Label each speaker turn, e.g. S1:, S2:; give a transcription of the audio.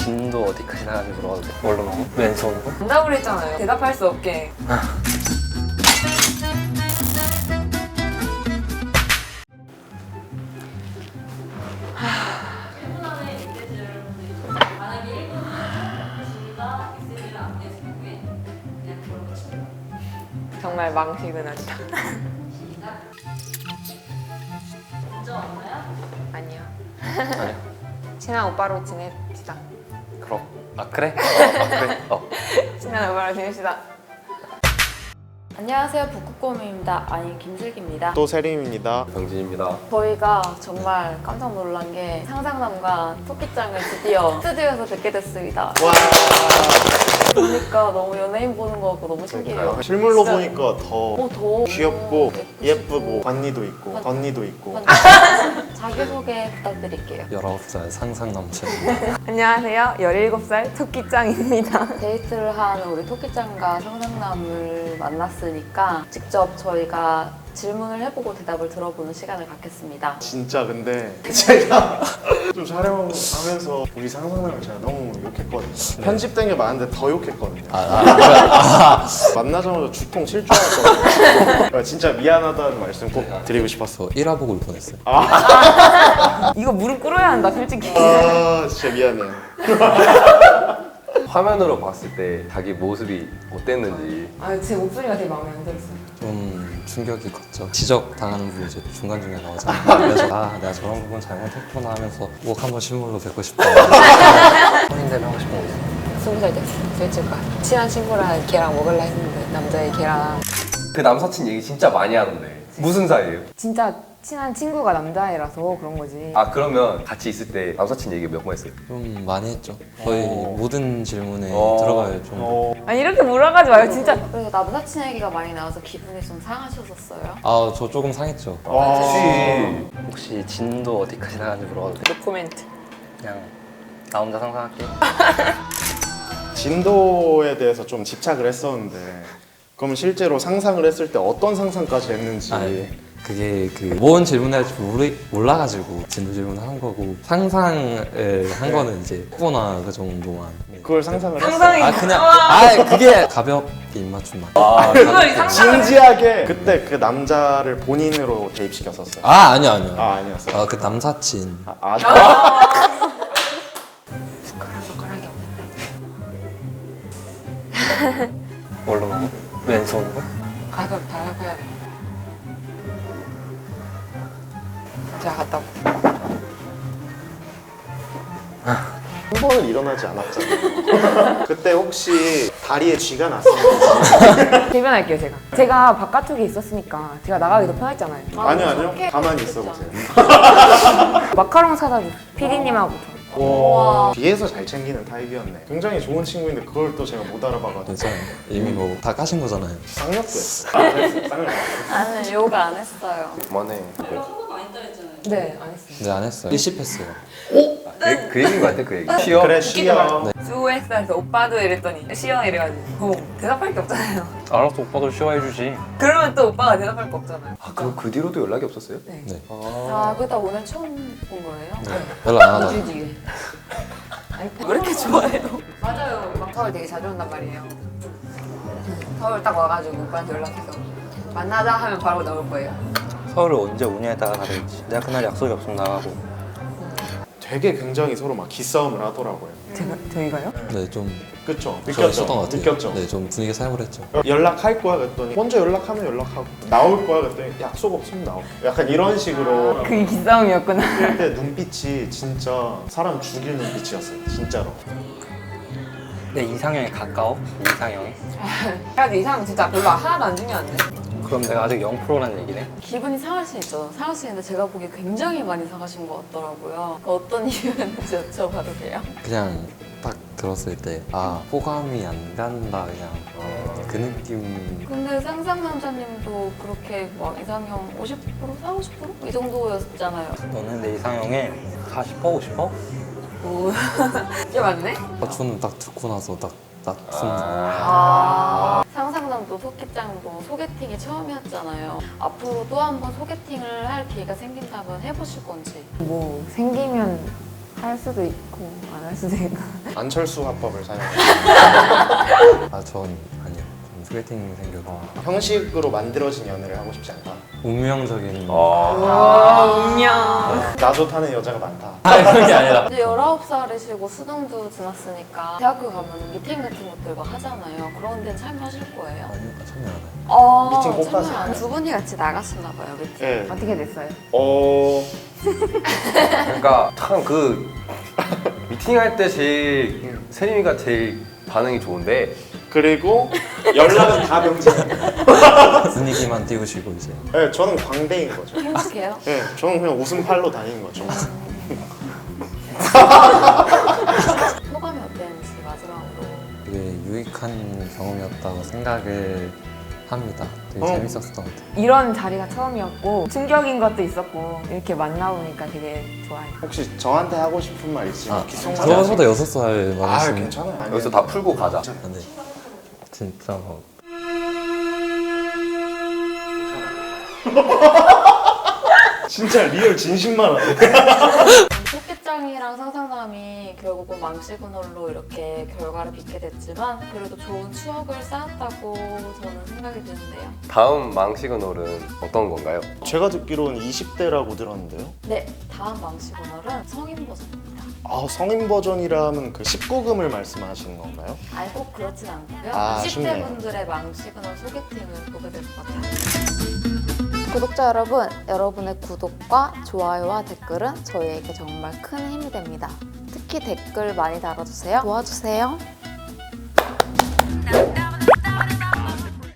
S1: 진도 어디까지 나가는지 물어봐도 돼? 뭘로 먹어? 왼손으로?
S2: 정답을 했잖아요. 대답할 수 없게. 정말 망신은하다.
S3: 먼저 왔나요?
S2: 아니요.
S1: 아니야.
S2: 친한 오빠로 지냅시다.
S1: 그럼. 아 그래? 그래.
S2: 친한 오빠로 지냅시다.
S3: 안녕하세요, 북극곰입니다. 아니, 김슬기입니다.
S4: 또 세림입니다.
S1: 병진입니다.
S3: 저희가 정말 깜짝 놀란 게 상상남과 토끼짱을 드디어 스튜디오에서 뵙게 됐습니다.
S4: 와.
S3: 보니까 너무 연예인 보는 거 같고 너무 신기해요.
S4: 실물로
S3: 진짜.
S4: 보니까 더
S3: 더
S4: 귀엽고
S3: 예쁘시고.
S4: 예쁘고 언니도 있고 언니도 있고.
S3: 자기소개 부탁드릴게요.
S1: 19살 상상 넘치는
S2: 안녕하세요. 17살 토끼짱입니다.
S3: 데이트를 한 우리 토끼짱과 상상남을 만났으니까 직접 저희가 질문을 해보고 대답을 들어보는 시간을 갖겠습니다.
S4: 진짜 근데 제가 좀 촬영하면서 우리 상상을 제가 너무 욕했거든요. 편집된 게 많은데 더 욕했거든요. 만나자마자 주통 칠주하셨거든요. 진짜 미안하다는 말씀 꼭 드리고 싶었어.
S1: 저 1화 보고 울 뻔했어요.
S2: 이거 무릎 꿇어야 한다, 솔직히.
S4: 아 진짜 미안해요.
S5: 화면으로 봤을 때 자기 모습이 어땠는지.
S2: 아, 제 목소리가 되게 마음에 안 들었어요.
S1: 좀 충격이 컸죠. 지적 당하는 부분이 이제 중간중간 나오잖아요. 그래서 아 내가 저런 부분 잘못했구나 하면서 꼭 한번 실물로 뵙고 싶다. 혼인대면 하고 싶은 거 있어?
S2: 20살 됐어. 솔직히 친한 친구랑 걔랑 먹을라 했는데 남자애 걔랑
S5: 그 남사친 얘기 진짜 많이 하던데. 무슨 사이예요?
S2: 진짜 친한 친구가 남자애라서 그런 거지.
S5: 아 그러면 같이 있을 때 남사친 얘기 몇 번 했어요?
S1: 좀 많이 했죠. 거의 모든 질문에 들어가요. 좀.
S2: 아니 이렇게 물어가지 마요, 진짜.
S3: 그래서 남사친 얘기가 많이 나와서 기분이 좀 상하셨었어요.
S1: 아 저 조금 상했죠. 혹시 진도 어디까지 나가는지 물어봐도 돼?
S2: 노코멘트.
S1: 그냥 나 혼자 상상할게.
S4: 진도에 대해서 좀 집착을 했었는데 그럼 실제로 상상을 했을 때 어떤 상상까지 했는지.
S1: 그게 그 뭔 질문을 할지 몰라가지고 진도 질문을 한 거고 상상을 한 거는 이제 후보나 그 정도만.
S4: 그걸 상상을
S2: 상상이
S1: 아 그냥 그게 가볍게 입맞춤만.
S2: 그걸 상상.
S4: 진지하게 그때 그 남자를 본인으로 대입시켰었어요.
S1: 아니요.
S4: 아니었어요.
S1: 그 남사친.
S2: 숟가락이 없는데.
S1: 뭘로 먹어? 왼손으로?
S2: 가볍다, 가볍다. 제가 갔다 올게요.
S4: 한 번은 일어나지 않았잖아요. 그때 혹시 다리에 쥐가 났었는지.
S2: 대변할게요, 제가 바깥쪽에 있었으니까 제가 나가기 더 편했잖아요.
S4: 아니요. 가만히 있어 보세요.
S2: 마카롱 사다 줘. PD님하고 저.
S4: 와. 뒤에서 잘 챙기는 타입이었네. 굉장히 좋은 친구인데 그걸 또 제가 못 알아봐가지고
S1: 괜찮아요. 이미 뭐 다 까신 거잖아요.
S4: 쌍욕도 했어. 쌍을
S3: 나는 요가 안 했어요.
S5: 그만해.
S2: 네, 안 했어요.
S1: 근데 안 했어요. 일십했어요.
S5: 그 얘기인 것 같아 그 얘기. 쉬어?
S4: 그래 쉬어.
S2: 수고했어 해서 오빠도 이랬더니 시영 이래가지고 대답할 게 없잖아요.
S1: 알았어, 오빠도 쉬워해주지.
S2: 그러면 또 오빠가 대답할 거 없잖아요.
S5: 아 그럼 그 뒤로도 연락이 없었어요?
S2: 네.
S1: 네.
S3: 아, 그다 오늘 처음 본 거예요?
S1: 연락 안 하다.
S2: 뒤에. 아니 왜 이렇게 좋아해요? 맞아요. 막 서울 되게 자주 온단 말이에요. 서울 딱 와가지고 오빠한테 연락해서 만나자 하면 바로 나올 거예요.
S6: 서울을 언제 오냐에 따라 다르겠지. 내가 그날 약속이 없으면 나가고.
S4: 되게 굉장히 서로 막 기싸움을 하더라고요.
S2: 저희가요?
S1: 네, 좀
S4: 그쵸?
S1: 그랬었던 것 같아요.
S4: 느꼈죠?
S1: 네, 좀 분위기 사용을 했죠.
S4: 연락할 거야 그랬더니 먼저 연락하면 연락하고 나올 거야 그랬더니 약속 없으면 나오. 약간 이런 식으로
S2: 그게 기싸움이었구나.
S4: 그때 눈빛이 진짜 사람 죽일 눈빛이었어요. 진짜로.
S6: 내 이상형에 가까워? 이상형이?
S2: 그래도 이상 진짜 별로 하나도 안 중요한데.
S6: 그럼 내가 아직 0%라는 얘기네?
S3: 기분이 상할 수 있죠. 상할 수 있는데 제가 보기에 굉장히 많이 상하신 것 같더라고요. 그러니까 어떤 이유였는지 여쭤봐도 돼요?
S1: 그냥 딱 들었을 때 호감이 안 간다 그냥 그 느낌.
S3: 근데 상상 남자님도 그렇게 막 이상형 50%? 40%? 이 정도였잖아요.
S6: 너는 내 이상형에 40% 50%?
S2: 오, 이게 맞네?
S1: 저는 딱 듣고 나서 딱
S3: 상상남도 토끼짱도 소개팅이 처음이었잖아요. 앞으로 또 한 번 소개팅을 할 기회가 생긴다면 해보실 건지.
S2: 뭐 생기면 할 수도 있고 안 할 수도 있고.
S4: 안철수 화법을 사용해요.
S1: 아, 전 아니요. 전 소개팅 생겨서
S4: 형식으로 만들어진 연애를 하고 싶지 않다.
S1: 운명적인
S4: 나 좋다는 여자가 많다.
S1: 아, 그런 게 아니라
S3: 이제 19살이시고 수능도 지났으니까 대학교 가면 미팅 같은 것들 막 하잖아요. 그런 데는 참여하실 거예요?
S1: 아니요, 참여 안 해요.
S4: 미팅 꼭
S3: 참여
S4: 가세요?
S3: 안 해요. 두 분이 같이 나갔었나 봐요, 미팅.
S4: 네.
S2: 어떻게 됐어요?
S5: 그러니까 참 그 미팅할 때 제일 세림이가 제일 반응이 좋은데
S4: 그리고 연락은 다 병진이에요.
S1: 분위기만 띄우시고 이제
S4: 네, 저는 광대인 거죠.
S3: 행복해요?
S4: 네, 저는 그냥 웃음팔로 다니는 거죠.
S3: 소감이 어땠는지 마지막으로.
S1: 되게 유익한 경험이었다고 생각을 합니다. 되게 재밌었던 것 같아요.
S2: 이런 자리가 처음이었고 충격인 것도 있었고 이렇게 만나보니까 되게 좋아요.
S4: 혹시 저한테 하고 싶은 말 있으면
S1: 아,
S4: 기성사진
S1: 저보다 6살
S4: 아,
S1: 많으신
S4: 괜찮아요.
S5: 여기서 다 풀고 가자.
S1: 네. 진짜 뭐
S4: 진짜 리얼 진심만 하네.
S3: 토끼짱이랑 상상남이 결국은 망시그널로 이렇게 결과를 빚게 됐지만 그래도 좋은 추억을 쌓았다고 저는 생각이 드는데요.
S5: 다음 망시그널은 어떤 건가요?
S4: 제가 듣기로는 20대라고 들었는데요.
S3: 네, 다음 망시그널은 성인 버전입니다.
S4: 아, 성인 버전이라면 그 19금을 말씀하시는 건가요?
S3: 아니 꼭 그렇진 않고요.
S4: 아,
S3: 20대
S4: 아쉽네요.
S3: 분들의 망시그널 소개팅을 보게 될 것 같아요. 구독자 여러분, 여러분의 구독과 좋아요와 댓글은 저희에게 정말 큰 힘이 됩니다. 특히 댓글 많이 달아주세요. 도와주세요.